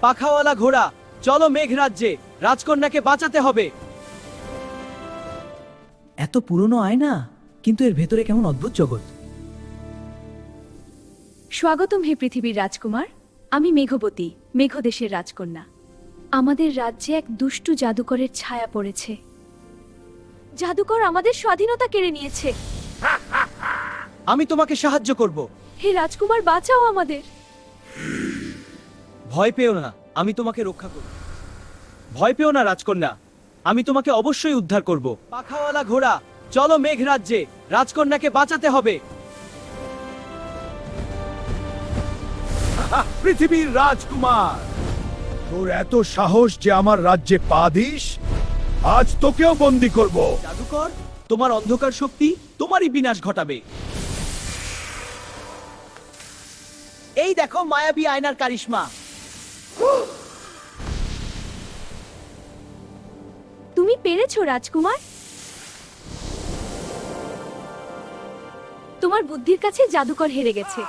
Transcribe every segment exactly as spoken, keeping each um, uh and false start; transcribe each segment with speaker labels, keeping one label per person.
Speaker 1: পাখাওয়ালা ঘোড়া, চলো মেঘ রাজ্যে, রাজকন্যাকে বাঁচাতে হবে।
Speaker 2: এত পুরনো আয়না, কিন্তু এর ভেতরে কেমন অদ্ভুত জগৎ।
Speaker 3: স্বাগতম হে পৃথিবীর রাজকুমার, আমি মেঘবতী, মেঘদেশের রাজকন্যা। আমাদের রাজ্যে এক দুষ্টু জাদুকরের ছায়া পড়েছে। জাদুকর আমাদের স্বাধীনতা কেড়ে নিয়েছে।
Speaker 1: আমি তোমাকে সাহায্য করব।
Speaker 3: হে রাজকুমার, বাঁচাও আমাদের।
Speaker 1: ভয় পেও না, আমি তোমাকে রক্ষা করব। ভয় পেও না রাজকন্যা, আমি তোমাকে অবশ্যই উদ্ধার করব। পাখাওয়ালা ঘোড়া, চলো মেঘ রাজ্যে, রাজকন্যাকে বাঁচাতে হবে।
Speaker 4: পৃথিবীর রাজকুমার, তোর এত সাহস যে আমার রাজ্যে পা দিস? আজ তোকেও বন্দি করব।
Speaker 1: জাদুকর, তোমার অন্ধকার শক্তি তোমারই বিনাশ ঘটাবে। এই দেখো মায়াবী আয়নার কারিশমা।
Speaker 3: তুমি পেরেছো রাজকুমার। তোমার বুদ্ধির কাছে জাদুকর হেরে গেছে।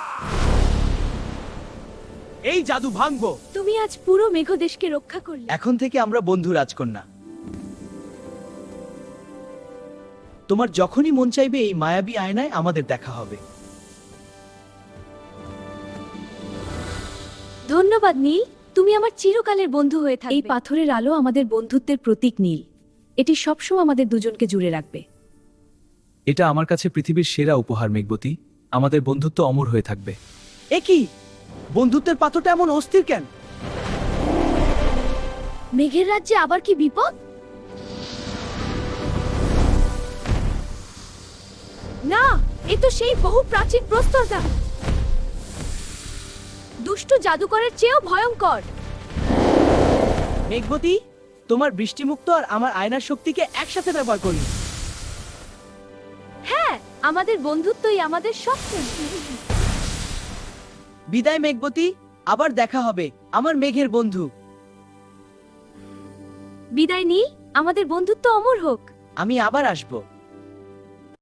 Speaker 1: এই জাদু ভাঙবো।
Speaker 3: তুমি আজ পুরো মেঘদেশকে রক্ষা করলে।
Speaker 1: এখন থেকে আমরা বন্ধু রাজকন্যা। তোমার যখনই মন চাইবে এই মায়াবী আয়নায় আমাদের দেখা হবে।
Speaker 3: ধন্যবাদ নীল, তুমি আমার চিরকালের বন্ধু হয়ে থাকবে। এই পাথরের আলো আমাদের বন্ধুত্বের প্রতীক নীল। এটি সবসময় আমাদের দুজনকে জুড়ে রাখবে।
Speaker 1: এটা আমার কাছে পৃথিবীর সেরা উপহার মেঘবতী, আমাদের বন্ধুত্ব অমর হয়ে থাকবে। এ কি, বন্ধুত্বের পাথরটা এমন অস্থির কেন?
Speaker 3: মেঘের রাজ্যে আবার কি বিপদ? না, এ তো সেই বহু প্রাচীন প্রস্তরদ্বার। দুষ্ট জাদুকরের চেয়েও ভয়ঙ্কর।
Speaker 1: মেঘবতী, তোমার বৃষ্টিমুক্ত আর আমার আয়নার শক্তিকে একসাথে ব্যবহার করি।
Speaker 3: হ্যাঁ, আমাদের বন্ধুত্বই আমাদের শক্তি।
Speaker 1: বিদায় মেঘবতী, আবার দেখা হবে আমার মেঘের বন্ধু।
Speaker 3: বিদায় নীল, আমাদের বন্ধুত্ব অমর হোক।
Speaker 1: আমি আবার আসবো।